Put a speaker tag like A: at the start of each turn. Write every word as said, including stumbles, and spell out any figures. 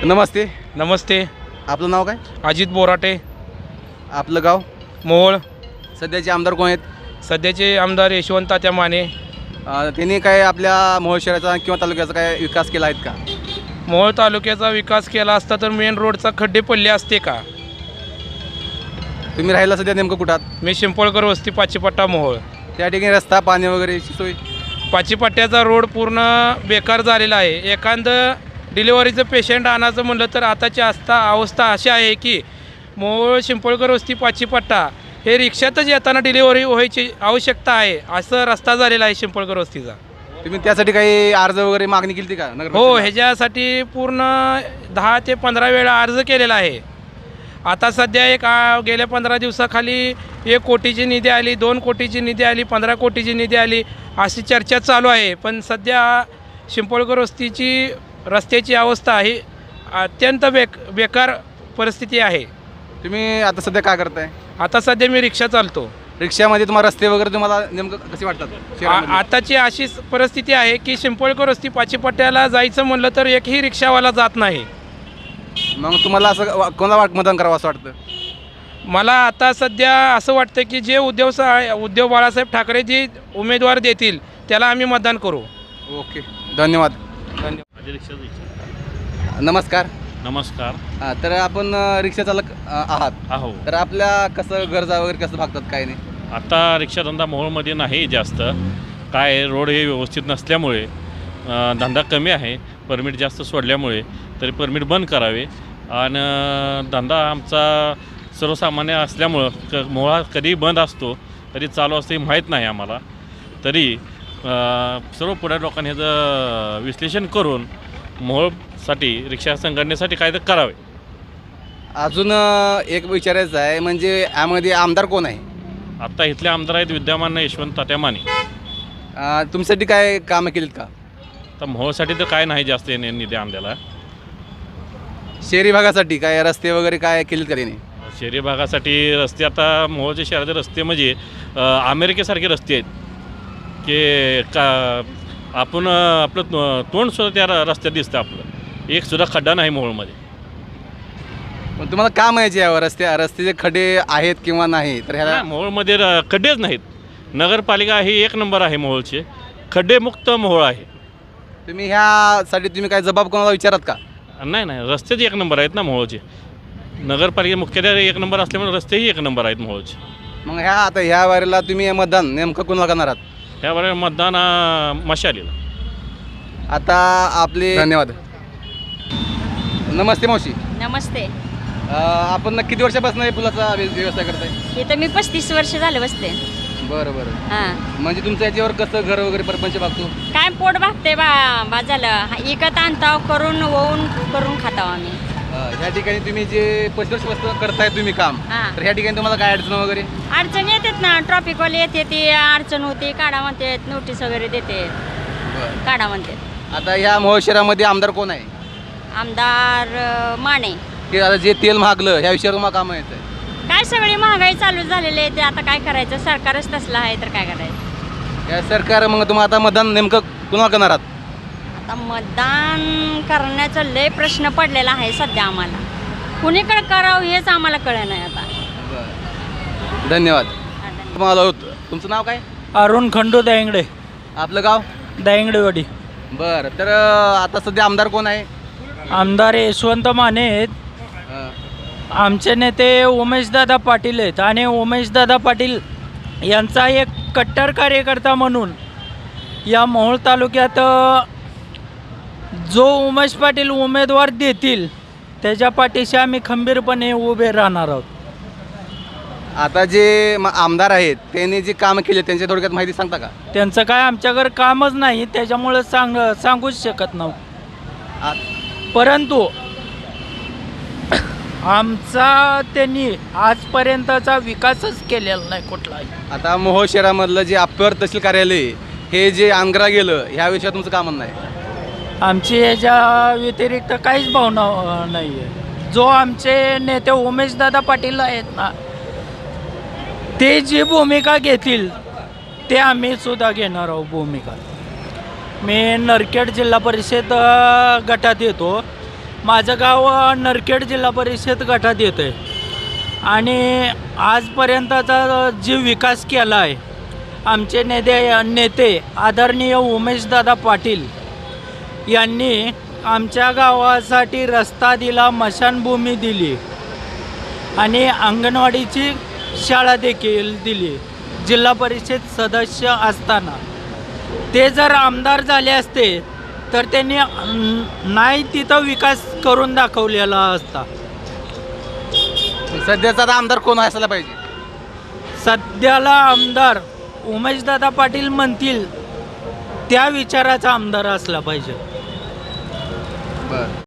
A: नमस्ते.
B: नमस्ते.
A: आपलं नाव काय?
B: अजित बोराटे.
A: आपलं गाव?
B: मोहोळ.
A: सध्याचे आमदार कोण आहेत?
B: सध्याचे आमदार यशवंत तात्या माने.
A: अ, त्यांनी काय आपल्या मोहोळ शहराचा किंवा तालुक्याचा काय विकास केला आहेत का?
B: मोहोळ तालुक्याचा विकास केला असता तर मेन रोडचा खड्डे पडले असते का?
A: तुम्ही राहिला सध्या नेमकं कुठात?
B: मी शिंपळकर वस्ती पाचीपट्टा मोहोळ.
A: त्या ठिकाणी रस्ता पाणी वगैरेची सोय?
B: पाचीपट्ट्याचा रोड पूर्ण बेकार झालेला आहे. एखादं डिलिव्हरीचं पेशंट आणायचं म्हणलं तर आताची आस्था अवस्था अशी आहे की मोहोळ शिंपळकर वस्ती पाचीपट्टा हे रिक्षातच येताना डिलिव्हरी व्हायची आवश्यकता आहे. असं रस्ता झालेला आहे शिंपळकर वस्तीचा.
A: तुम्ही त्यासाठी काही अर्ज वगैरे मागणी केली का नगर?
B: हो, ह्याच्यासाठी पूर्ण दहा ते पंधरा वेळा अर्ज केलेला आहे. आता सध्या एक आ, गेल्या पंधरा दिवसाखाली एक कोटीची निधी आली, दोन कोटीची निधी आली, पंधरा कोटीची निधी आली, अशी चर्चा चालू आहे. पण सध्या शिंपळकर वस्तीची रस्त्याची अवस्था ही अत्यंत बेक बेकार परिस्थिती आहे.
A: तुम्ही आता सध्या काय करताय?
B: आता सध्या मी रिक्षा चालतो.
A: रिक्षामध्ये तुम्हाला रस्ते वगैरे तुम्हाला नेमकं कसे वाटतात
B: आ-
A: शहरामध्ये?
B: आताची अशी परिस्थिती आहे की शिंपळकर वस्ती पाचीपट्ट्याला जायचं म्हणलं तर एकही रिक्षावाला जात नाही.
A: मग तुम्हाला असं वा- कोणाला वाट मतदान करावं असं वाटतं?
B: मला आता सध्या असं वाटतं की जे उद्धव सा उद्धव बाळासाहेब ठाकरे जे उमेदवार देतील त्याला आम्ही मतदान करू.
A: ओके, धन्यवाद.
B: धन्यवाद.
A: नमस्कार.
C: नमस्कार.
A: हां, तर आपण अ, रिक्षा चालक अ, आहात.
C: अहो,
A: तर आपल्या कसं गरजा वगैरे कसं भागतात काय नाही?
C: आता रिक्षाधंदा मोहोळमध्ये नाही जास्त. काय रोड हे व्यवस्थित नसल्यामुळे अ, धंदा कमी आहे. परमिट जास्त सोडल्यामुळे तरी परमिट बंद करावे. आणि अ, धंदा आमचा सर्वसामान्य असल्यामुळं क मोहळा कधी बंद असतो कधी चालू असतो हे माहीत नाही आम्हाला. तरी अ, सर्व पुढे लोकांनी ह्याचं विश्लेषण करून मोहोळसाठी रिक्षा संघटनेसाठी काय तर करावे.
A: अजून अ, एक विचारायचं आहे, म्हणजे यामध्ये आमदार कोण आहे?
C: आत्ता इथले आमदार आहेत विद्यमान यशवंत तात्या माने.
A: अ, तुमच्यासाठी काय कामं केलीत का?
C: तर मोहोळसाठी तर काय नाही जास्त याने निधी आणलेला.
A: शहरी भागासाठी काय रस्ते वगैरे काय केलीत का त्यांनी?
C: शहरी भागासाठी रस्ते आता मोहोळच्या शहराचे रस्ते म्हणजे अ, अमेरिकेसारखे रस्ते आहेत की का आपण अ, आपलं तो- तोंडसुद्धा त्या र- रस्त्यात दिसतं आपलं. एक सुद्धा खड्डा नाही मोहोळमध्ये.
A: पण तुम्हाला काम आहे यावर रस्ते रस्त्याचे खड्डे आहेत किंवा नाही तर ह्याला
C: नाही, मोहोळमध्ये र- खड्डेच नाहीत. नगरपालिका ही एक नंबर आहे मोहोळचे. खड्डेमुक्त मोहोळ आहे.
A: तुम्ही ह्यासाठी तुम्ही काय जबाब कोणाला विचारात का?
C: नाही नाही रस्तेच एक नंबर आहेत ना मोहोळचे. नगरपालिका मुख्यालय एक नंबर असल्यामुळे रस्तेही एक नंबर आहेत मोहोळचे.
A: मग ह्या आता ह्या वारीला तुम्ही मतदान नेमकं कोणाला करणार आहात?
C: ह्यावर मतदान अ, मशालीला.
A: आता आपले धन्यवाद. नमस्ते मावशी.
D: नमस्ते.
A: अ, आपण ना किती वर्षापासून हे पुलाचा व्य- व्यवस्था करताय?
D: इथं मी पस्तीस वर्ष झाले बसते.
A: बरं बरं.
D: हां,
A: म्हणजे तुमचं याच्यावर कसं घर वगैरे परपंच भागतो?
D: काय पोट भागते बा बा झालं इकत आणताव करून ओवून करून खाताव आम्ही.
A: अ, ह्या ठिकाणी तुम्ही जे पस्तीस वर्षापासून करताय तुम्ही काम,
D: हां.
A: तर ह्या ठिकाणी तुम्हाला काय अडचण वगैरे?
D: अडचण येतात ना, ट्रॉफिकवाले येते ती अडचण होते, काढा म्हणते, नोटीस वगैरे देते,
A: बरं.
D: काढा म्हणते.
A: आता ह्या मोहोळ शहरामध्ये आमदार कोण आहे?
D: आमदार अं, माने.
A: की आता जे तेल महागलं ह्या विषयावर मग काम येतं.
D: काय सगळी महागाई चालू झालेली आहे, ते आता काय करायचं, सरकारच तसलं आहे तर काय करायचं.
A: या सरकार मग तुम्हाला आता मतदान नेमकं कुणाला करणार आहात?
D: आता मतदान करण्याचा लय प्रश्न पडलेला आहे सध्या आम्हाला. कुणीकडे करावं हेच आम्हाला कळलं नाही आता.
A: धन्यवाद.
D: हा, धन्यवाद.
A: तुम्हाला होतं. तुमचं नाव काय?
E: अरुण खंडू दायंगडे,
A: आपलं गाव?
E: दायंगडेवाडी.
A: बरं, तर अ, आता सध्या आमदार कोण आहे?
E: आमदार यशवंत माने आहेत.
A: अ,
E: आमचे नेते उमेशदादा पाटील आहेत आणि उमेशदादा पाटील यांचा एक कट्टर कार्यकर्ता म्हणून या मोहोळ तालुक्यात अ, जो उमेश पाटील उमेदवार देतील त्याच्या पाठीशी आम्ही खंबीरपणे उभे राहणार आहोत.
A: आता जे म- आमदार आहेत त्यांनी जे काम केले त्यांच्या थोडक्यात माहिती सांगता का?
E: त्यांचं काय आमच्याकडे कामच नाही, त्याच्यामुळं सांग सांगूच शकत नव्हतं.
A: आ-
E: परंतु आमचा त्यांनी आजपर्यंतचा विकासच केलेला नाही कुठलाही.
A: आता मोहोळ शहरामधलं जे अप्पर तहसील कार्यालय हे जे आंग्रा गेलं ह्या विषयात तुमचं काम नाही?
E: आमची याच्या व्यतिरिक्त काहीच भावना नाही आहे. जो आमचे नेते उमेशदादा पाटील आहेत ना, ते जी भूमिका घेतील ते आम्ही सुद्धा घेणार आहोत भूमिका. मी नरखेड जिल्हा परिषद अ, गटात येतो. माझं गाव अ, नरखेड जिल्हा परिषद गटात येतं आहे आणि आजपर्यंतचा जे विकास केला आहे आमचे नेते नेते आदरणीय उमेशदादा पाटील यांनी आमच्या गावासाठी रस्ता दिला, स्मशानभूमी दिली आणि अंगणवाडीची शाळा देखील दिली जिल्हा परिषद सदस्य असताना. ते जर आमदार झाले असते तर त्यांनी अं, नाही तिथं विकास करून दाखवलेला असता.
A: सध्याचा आता आमदार कोण असायला पाहिजे?
E: सध्याला आमदार उमेशदादा पाटील म्हणतील त्या विचाराचा आमदार असला पाहिजे.
A: बरं.